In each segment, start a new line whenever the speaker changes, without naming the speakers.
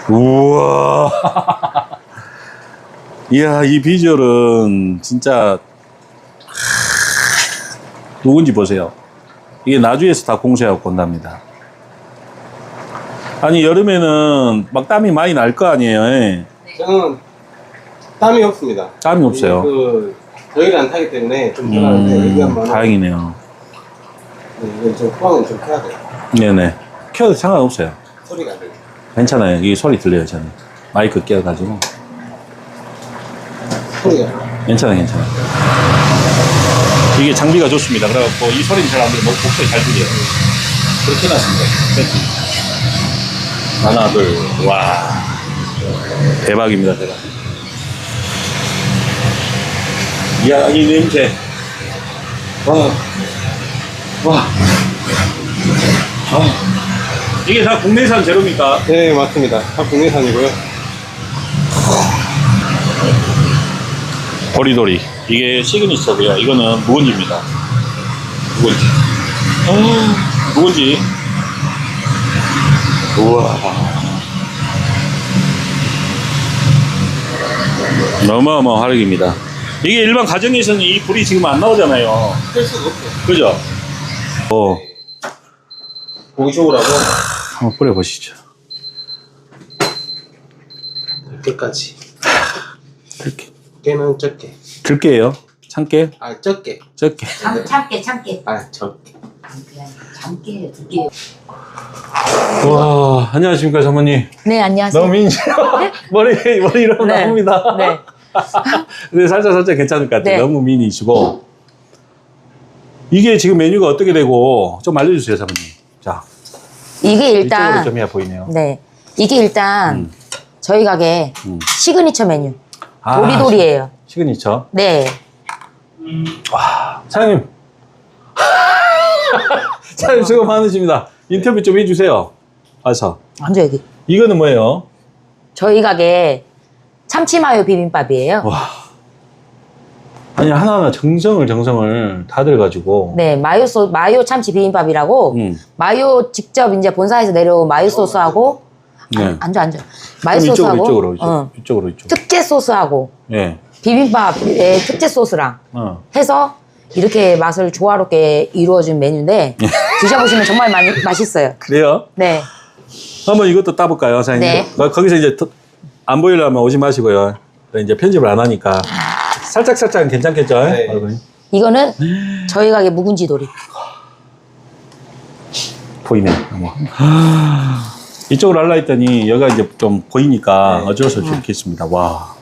우와. 이야, 이 비주얼은 진짜 누군지 보세요. 이게 나주에서 다 공사하고 온답니다. 아니, 여름에는 막 땀이 많이 날 거 아니에요? 예.
저는 땀이 없습니다.
땀이 없어요.
더위를 안 타기 때문에 좀 편한데 여기가
다행이네요.
이건 좀 포항은 좀 켜야 돼요.
네네. 켜도 상관없어요.
소리가 안 들려.
괜찮아요. 이 소리 들려요, 저는. 마이크 껴가지고.
소리가.
괜찮아요, 괜찮아요. 이게 장비가 좋습니다. 그래갖고 이 소리는 잘 안 들려. 목소리 잘 들려요. 그렇게 해놨습니다. 하나, 둘, 와. 대박입니다, 대박. 이야, 이 냄새. 와. 와. 아. 이게 다 국내산 재료입니까?
네, 맞습니다. 다 국내산이고요.
도리도리. 이게 시그니처고요. 이거는 묵은지입니다. 묵은지. 묵은지. 우와. 어마어마한 화력입니다. 이게 일반 가정에서는 이 불이 지금 안 나오잖아요.
할 수가 없어요.
그죠?
고기 좋으라고
한번 뿌려보시죠.
이렇게까지.
이렇게.
깨는 적게.
들게요. 참깨?
아, 적게.
적게.
참깨.
아, 적게.
참깨 두개.
와, 안녕하십니까, 사모님.
네, 안녕하세요.
너무 미인이세요. 머리 이러면
네.
나옵니다.
네.
근데 살짝 괜찮을 것 같아요.
네.
너무 미인이시고. 이게 지금 메뉴가 어떻게 되고, 좀 알려주세요, 사모님. 자.
이게
이쪽으로
일단
좀 해야 보이네요.
네. 이게 일단 저희 가게 시그니처 메뉴.
아,
도리도리예요.
시그니처.
네.
와, 사장님. 사장님 수고 많으십니다. 인터뷰 좀 해주세요. 와서.
먼저 여기.
이거는 뭐예요?
저희 가게 참치마요 비빔밥이에요.
와. 아니, 하나하나 정성을 다 들어가지고.
네, 마요 참치 비빔밥이라고 마요 직접 이제 본사에서 내려온 마요 소스하고
네.
앉아. 마요 소스하고
이쪽으로.
특제 소스하고
네.
비빔밥의 특제 소스랑 해서 이렇게 맛을 조화롭게 이루어진 메뉴인데 드셔보시면 정말 맛있어요.
그래요?
네.
한번 이것도 따볼까요, 사장님?
네.
거기서 이제 안 보이려면 오지 마시고요. 이제 편집을 안 하니까. 살짝은 괜찮겠죠?
네.
이거는 저희 가게 묵은지 도리.
보이네. 이쪽으로 하려 했더니 여기가 이제 좀 보이니까
네.
어쩔 수 없이 이렇게 했습니다. 와.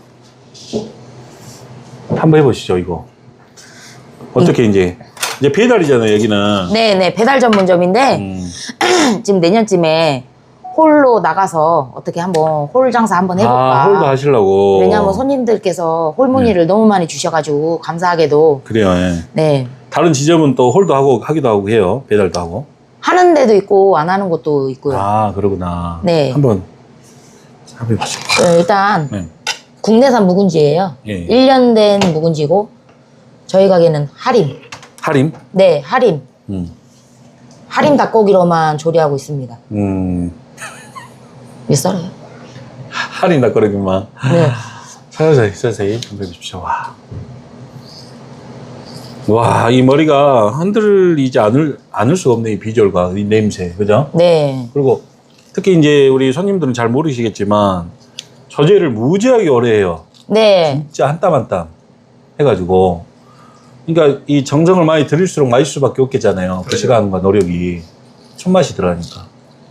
한번 해보시죠, 이거. 어떻게 이제 배달이잖아요, 여기는.
네네, 배달 전문점인데 지금 내년쯤에 홀로 나가서 어떻게 한번 홀 장사 한번 해볼까.
아, 홀도 하시려고.
왜냐하면 손님들께서 홀 문의를 너무 많이 주셔가지고 감사하게도.
그래요, 예.
네.
다른 지점은 또 홀도 하기도 하고 해요. 배달도 하고.
하는 데도 있고 안 하는 곳도 있고요.
아, 그러구나.
네.
한번 해보시죠.
일단
네.
국내산 묵은지예요.
예.
1년 된 묵은지고 저희 가게는 하림.
할인?
네, 하림. 하림 닭고기로만 조리하고 있습니다. 왜 썰어요?
할인 닭거리기만.
네.
서서히 준비해 주십시오. 와. 와, 이 머리가 흔들리지 않을 수가 없네, 이 비주얼과 이 냄새. 그죠?
네.
그리고 특히 이제 우리 손님들은 잘 모르시겠지만 저제를 무지하게 오래 해요.
네.
진짜 한 땀 한 땀 해가지고. 그러니까 이 정성을 많이 들일수록 맛있을 수밖에 없겠잖아요. 그 시간과 노력이. 손맛이 들어가니까.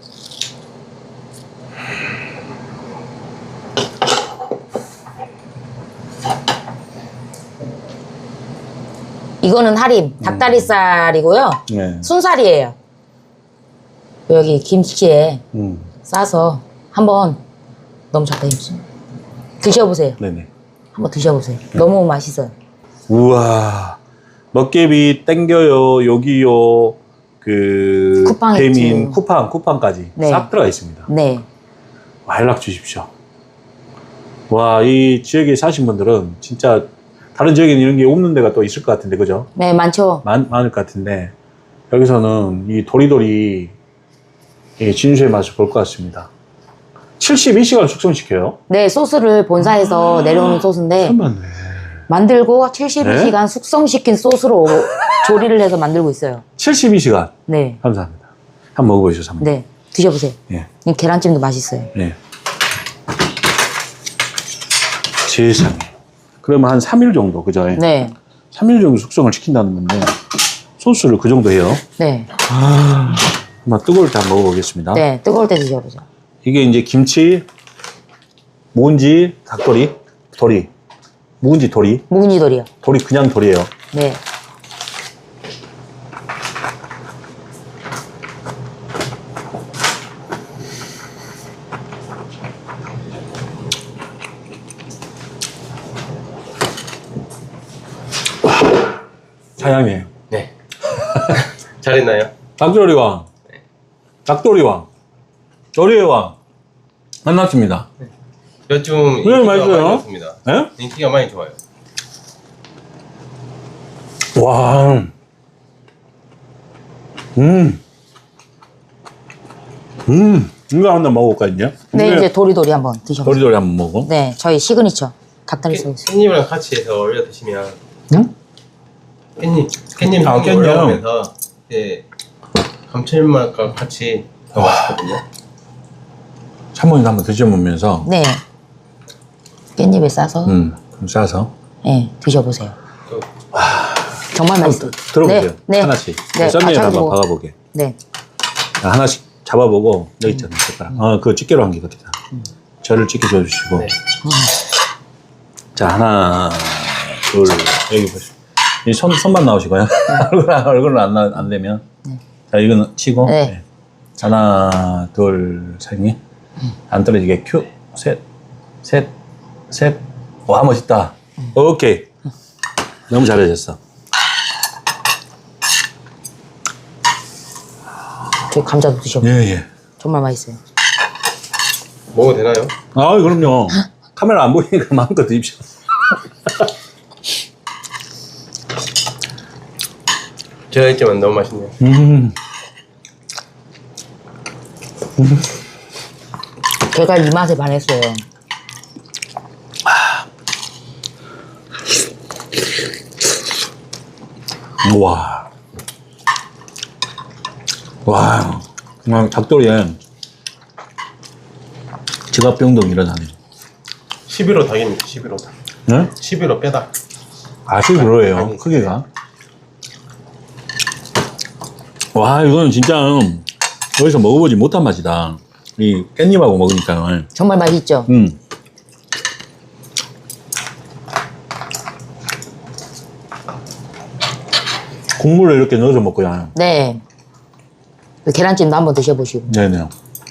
이거는 하림, 닭다리살이고요.
네.
순살이에요. 여기 김치에 싸서 한번 너무 좋다, 김치. 드셔보세요.
네네.
한번 드셔보세요. 너무 맛있어요.
우와. 먹개비 땡겨요, 여기요,
쿠팡
배민,
있지.
쿠팡까지
네.
싹 들어가 있습니다.
네.
와, 연락 주십시오. 와, 이 지역에 사신 분들은 진짜 다른 지역에는 이런 게 없는 데가 또 있을 것 같은데, 그죠?
네, 많죠.
많을 것 같은데, 여기서는 이 도리도리 이 진수의 맛을 볼 것 같습니다. 72시간 숙성시켜요?
네, 소스를 본사에서 내려오는 소스인데
참맞네.
만들고 72시간 숙성시킨 소스로 조리를 해서 만들고 있어요.
72시간.
네.
감사합니다. 한번 먹어보시죠, 사모님.
네. 드셔보세요.
예.
이 계란찜도 맛있어요.
예. 세상에. 그러면 한 3일 정도, 그죠?
네.
3일 정도 숙성을 시킨다는 건데, 소스를 그 정도 해요.
네.
한번 뜨거울 때 한번 먹어보겠습니다.
네. 뜨거울 때 드셔보죠.
이게 이제 김치, 묵은지, 닭도리, 도리. 묵은지 도리.
묵은지돌이요.
도리 그냥 도리예요.
네.
사양이에요.
네. 잘했나요?
닭도리왕. 닭도리왕. 도리의 왕. 만났습니다.
요즘
왜
인기가
맛있어요?
많이 좋습니다.
예?
인기가 많이 좋아요.
와. 이거 한번 먹어볼까, 이제?
네, 이제 도리도리 한번 드셔보세요.
도리도리 한번 먹어.
네, 저희 시그니처 닭다리 소스.
깻잎이랑 같이 해서 올려 드시면
응?
깻잎
아,
향이
깻잎.
올라오면서 이제 감칠맛과 같이 더 맛있거든요.
사모님 한번 드셔보면서,
네. 깻잎에 싸서
좀 싸서.
네, 드셔보세요.
또
정말 맛있어요.
들어보세요.
네, 네.
하나씩.
네,
썸네일
같이
한번
하고.
박아보게.
네.
하나씩 잡아보고, 여기 있잖아요, 젓가락. 그거 집게로 한 게 같다. 저를 집게 줘주시고.
네.
자, 하나, 둘, 여기 보시죠. 이 손만 나오시고요. 얼굴은 안 되면. 자, 이거는 치고.
네.
네. 하나, 둘, 셋이. 안 떨어지게 큐. 셋. 와, 멋있다. 오케이. 너무 잘해줬어.
저희 감자도 드셔보세요.
예.
정말 맛있어요.
먹어도 되나요?
아, 그럼요. 카메라 안 보이니까 마음껏 드십시오.
제가 했지만 너무 맛있네요.
제가 이 맛에 반했어요.
와, 그냥 닭도리에 지갑병동 일어나네.
11호 닭입니다. 11호 닭.
네?
11호 빼닭.
아시 그러해요, 크기가. 와, 이거는 진짜 여기서 먹어보지 못한 맛이다. 이 깻잎하고 먹으니까.
정말 맛있죠?
국물을 이렇게 넣어서 먹고요.
네. 그 계란찜도 한번 드셔보시고.
네네.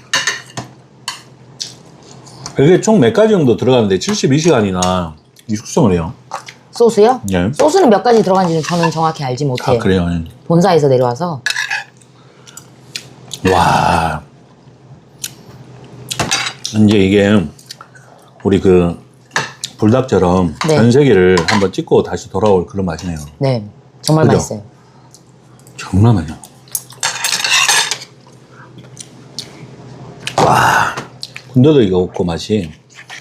이게 총 몇 가지 정도 들어가는데 72시간이나 이 숙성을 해요.
소스요?
네.
소스는 몇 가지 들어간지는 저는 정확히 알지 못해요.
아, 그래요.
본사에서 내려와서.
와. 이제 이게 우리 그 불닭처럼
네.
전 세계를 한번 찍고 다시 돌아올 그런 맛이네요.
네. 정말
그죠?
맛있어요.
정말 맛있어. 와. 군더더기가 없고 맛이.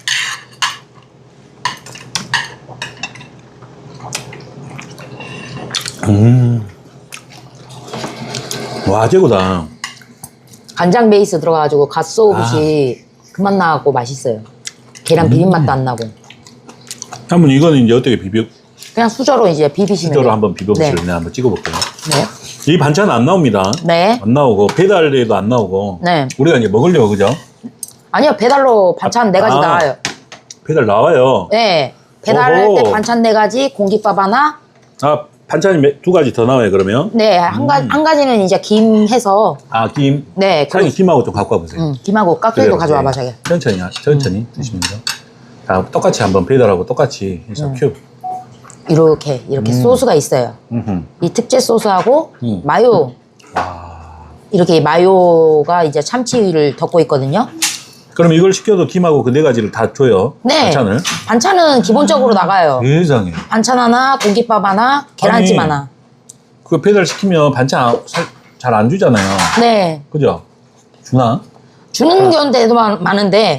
와, 최고다.
간장 베이스 들어가가지고 갓소옷이 그맛 나고 맛있어요. 계란 비린맛도 안 나고.
한번 이거는 이제 어떻게 비벼,
그냥 수저로 이제 비비시면
수저로
돼요.
한번 비벼보실래요?
네.
네, 한번 찍어볼게요.
네.
이 반찬 안 나옵니다.
네.
안 나오고, 배달에도 안 나오고.
네.
우리가 이제 먹으려고, 그죠?
아니요, 배달로 반찬 네 가지
아.
나와요.
배달 나와요.
네. 배달할
오호.
때 반찬 네 가지, 공깃밥 하나.
아, 반찬이 두 가지 더 나와요, 그러면?
네, 한 가지는 이제 김 해서.
아, 김.
네.
사장님 김하고 좀 갖고 와보세요.
김하고 깍두기도 가져와 봐, 자기.
천천히 드시면서. 자, 똑같이 한번 배달하고 똑같이 해서 큐.
이렇게 소스가 있어요.
음흠.
이 특제 소스하고 마요. 이렇게 마요가 이제 참치를 덮고 있거든요.
그럼 이걸 시켜도 김하고 그 네 가지를 다 줘요?
네.
반찬을?
반찬은 기본적으로 나가요.
세상에.
반찬 하나, 공깃밥 하나, 계란찜
아니,
하나.
그거 배달 시키면 반찬 잘 안 주잖아요.
네.
그죠? 주나?
주는 경우도 많은데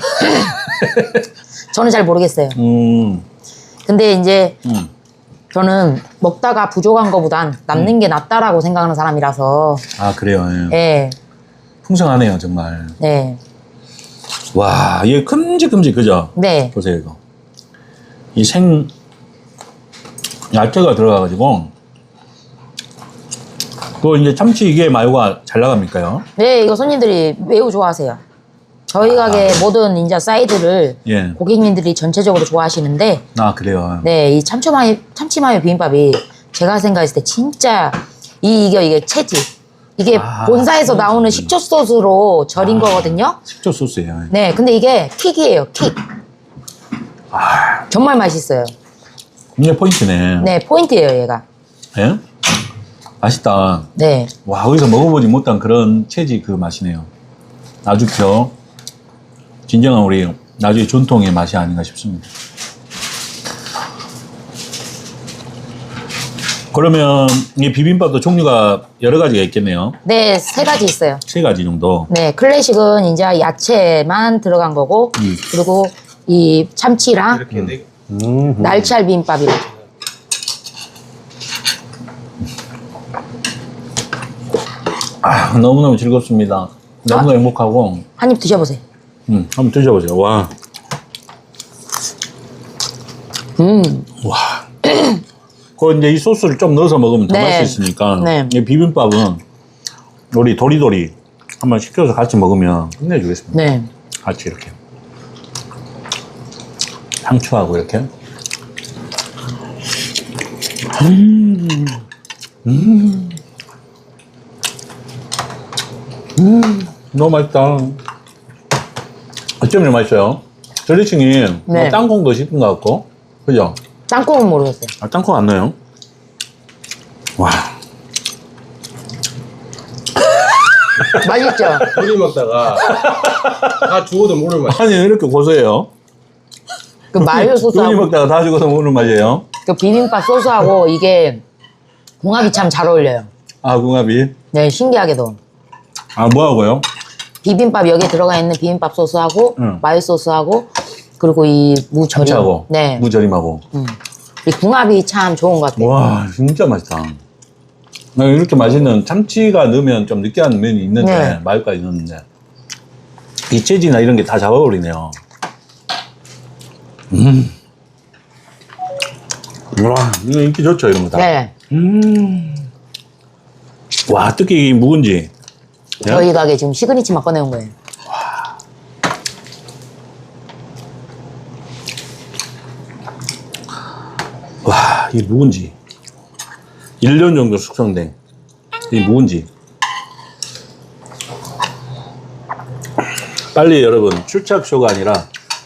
저는 잘 모르겠어요. 근데 이제 저는 먹다가 부족한 거보단 남는 게 낫다라고 생각하는 사람이라서.
아, 그래요. 예.
예.
풍성하네요, 정말.
네.
와, 이게 큼직큼직, 그죠?
네.
보세요, 이거. 이 야채가 들어가가지고. 그거 이제 참치 이게 마요가 잘 나갑니까요?
네, 이거 손님들이 매우 좋아하세요. 저희 가게 모든 인자 사이드를
예.
고객님들이 전체적으로 좋아하시는데,
아, 그래요.
네, 이 참치마요 비빔밥이 제가 생각했을 때 진짜 이게 체지. 이게 본사에서 나오는 식초 소스로 절인 거거든요.
식초 소스예요.
네, 근데 이게 킥이에요, 킥. 정말 맛있어요.
이게 포인트네.
네, 포인트예요, 얘가.
예? 맛있다.
네.
와, 어디서 먹어보지 못한 그런 체지 그 맛이네요. 아주 진정한 우리 나중에 전통의 맛이 아닌가 싶습니다. 그러면 이 비빔밥도 종류가 여러 가지가 있겠네요.
네, 3가지 있어요.
3가지 정도.
네, 클래식은 이제 야채만 들어간 거고, 그리고 이 참치랑
이렇게 네.
날치알 비빔밥이랑.
아, 너무너무 즐겁습니다. 너무너무 행복하고.
한 입 드셔보세요.
한번 드셔보세요. 와. 와. 그 이제 이 소스를 좀 넣어서 먹으면 더
네.
맛있으니까.
네.
이 비빔밥은 우리 도리도리 한번 시켜서 같이 먹으면 끝내주겠습니다.
네.
같이 이렇게. 상추하고 이렇게. 너무 맛있다. 어쩜 이렇게 맛있어요? 드레싱이
네.
땅콩도 씹은 것 같고, 그죠?
땅콩은 모르겠어요.
아, 땅콩 안 넣어요? 와.
맛있죠?
둘이 먹다가 다 죽어도 모를 맛.
아니, 왜 이렇게 고소해요?
그 마요
둘이
소스하고
먹다가 다 죽어서 먹는 맛이에요?
그 비빔밥 소스하고 이게 궁합이 참 잘 어울려요.
아, 궁합이?
네, 신기하게도.
아, 뭐하고요?
비빔밥 여기에 들어가 있는 비빔밥 소스하고 마요 소스하고 그리고 이 무절임.
참치하고,
네.
무절임하고.
이 궁합이 참 좋은 것 같아요.
와, 진짜 맛있다. 나 이렇게 맛있는 참치가 넣으면 좀 느끼한 면이 있는데,
네.
마요까지 넣는데, 이 체지나 이런 게 다 잡아버리네요. 와, 이거 인기 좋죠, 이런 거 다.
네.
와, 특히 이 묵은지. 예?
저희 가게 지금 시그니치만 꺼내온 거예요.
와, 이 묵은지. 1년 정도 숙성된 이 묵은지. 빨리 여러분, 출착쇼가 아니라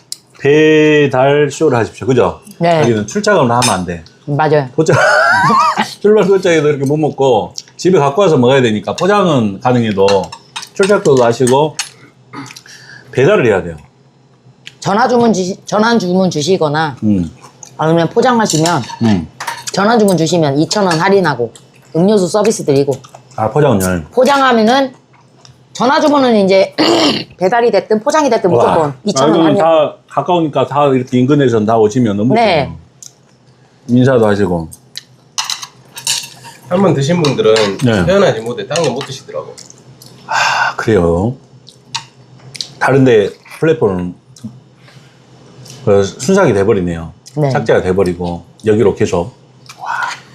배달쇼를 하십시오. 그죠?
네.
여기는 출착을 하면 안 돼.
맞아요.
포장, 출발 도착해도 이렇게 못 먹고 집에 갖고 와서 먹어야 되니까 포장은 가능해도 출착도 하시고 배달을 해야 돼요.
전화 주문 주시거나
음.
아니면 포장하시면 전화 주문 주시면 2,000원 할인하고 음료수 서비스 드리고
아, 포장은
포장하면은 전화 주문은 이제 배달이 됐든 포장이 됐든 무조건 2,000원 할인.
다 가까우니까 다 이렇게 인근에서 다 오시면 너무
네.
좋아요. 인사도 하시고.
한 번 드신 분들은
네.
태어나지 못해 다른 거 못 드시더라고.
아, 그래요. 다른데 플랫폼은 순삭이 돼버리네요.
네.
삭제가 돼버리고 여기로 계속. 와.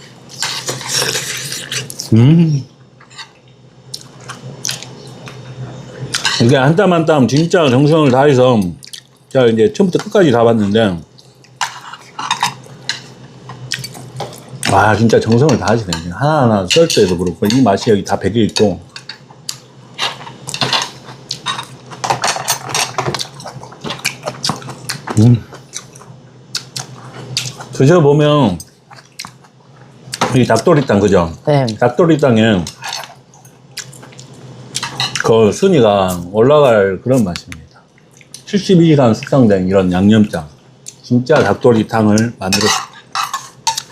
이게 한 땀 한 땀 진짜 정성을 다해서 제가 이제 처음부터 끝까지 다 봤는데 와, 진짜 정성을 다하시네. 하나하나 썰 때도 그렇고 이 맛이 여기 다 배겨 있고. 드셔보면 이 닭도리탕, 그죠?
네.
닭도리탕에 그 순위가 올라갈 그런 맛입니다. 72시간 숙성된 이런 양념장. 진짜 닭도리탕을 만들었습니다.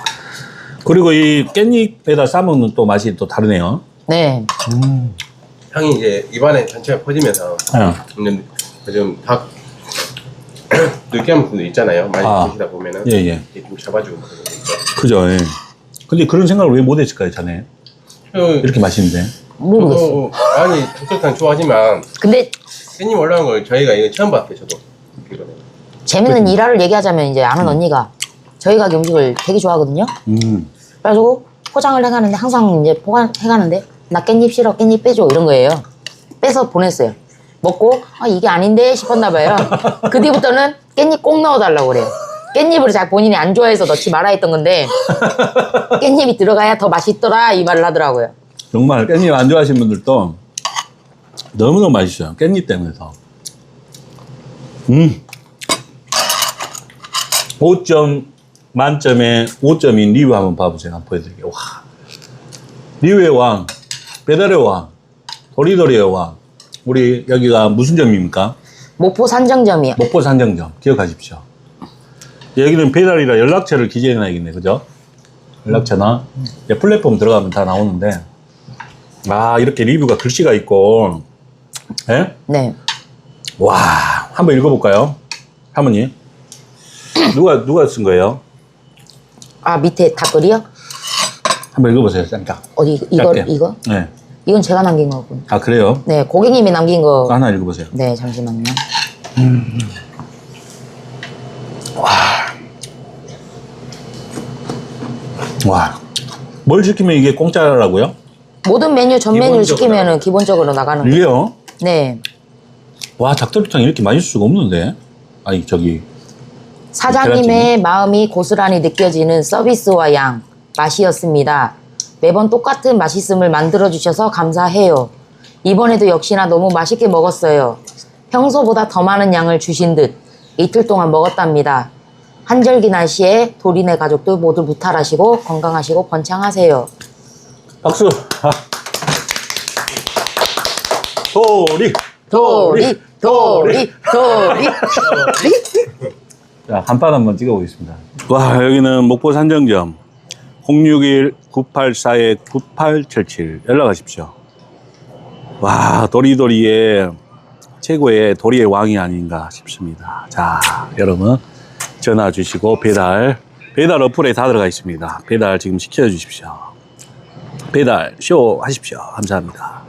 그리고 이 깻잎에다 싸먹는 또 맛이 또 다르네요.
네.
향이 이제 입안에 전체가 퍼지면서
예.
요즘 닭 느끼한 분도 있잖아요. 많이
아.
드시다 보면은
예, 예.
이렇게 좀 잡아주고 그런 거 있죠.
그죠. 예. 근데 그런 생각을 왜 못 했을까요, 자네? 이렇게 맛있는데.
모르겠어.
저도 아니 닭도리탕 좋아하지만
근데
깻잎 올라온 걸 저희가 이거 처음 봤어요. 저도 이거는.
재밌는 일화를 얘기하자면 이제 아는 언니가 저희 가게 음식을 되게 좋아하거든요. 그래가지고 포장을 해가는데 항상 이제 포장해가는데 나 깻잎 싫어, 깻잎 빼줘 이런 거예요. 빼서 보냈어요. 먹고 아 이게 아닌데 싶었나 봐요. 그 뒤부터는 깻잎 꼭 넣어달라고 그래요. 깻잎을 잘 본인이 안 좋아해서 넣지 말아 했던 건데 깻잎이 들어가야 더 맛있더라 이 말을 하더라고요.
정말 깻잎 안 좋아하시는 분들도 너무너무 맛있어요. 깻잎 때문에서. 5점 만점에 5점인 리뷰 한번 봐보세요. 한번 보여드릴게요. 와. 리뷰의 왕, 배달의 왕, 도리도리의 왕. 우리 여기가 무슨 점입니까?
목포 산정점이요.
목포 산정점. 기억하십시오. 여기는 배달이라 연락처를 기재해놔야겠네. 그죠? 연락처나 플랫폼 들어가면 다 나오는데 아 이렇게 리뷰가 글씨가 있고 예?
네.
와 한번 읽어볼까요? 할머니 누가 쓴 거예요?
아 밑에 닭글이요?
한번 읽어보세요. 짱짱.
어디 이거
짧게.
이거?
네.
이건 제가 남긴 거고.
아 그래요?
네 고객님이 남긴 거.
하나 읽어보세요.
네 잠시만요.
와. 뭘 시키면 이게 공짜라고요?
모든 메뉴 전
기본적으로
메뉴를 시키면은 기본적으로 나가는 거.
이게요?
네.
와 닭도리탕 이렇게 맛있을 수가 없는데. 아니 저기
사장님의 마음이 고스란히 느껴지는 서비스와 양, 맛이었습니다. 매번 똑같은 맛있음을 만들어주셔서 감사해요. 이번에도 역시나 너무 맛있게 먹었어요. 평소보다 더 많은 양을 주신 듯 이틀 동안 먹었답니다. 한절기 날씨에 도리네 가족들 모두 무탈하시고 건강하시고 번창하세요.
박수. 아. 도리.
도리, 도리, 도리.
자, 간판 한번 찍어보겠습니다. 와, 여기는 목포 산정점 061-984-9877 연락하십시오. 와, 도리도리의 최고의 도리의 왕이 아닌가 싶습니다. 자, 여러분 전화 주시고 배달 어플에 다 들어가 있습니다. 배달 지금 시켜주십시오. 배달 쇼 하십시오. 감사합니다.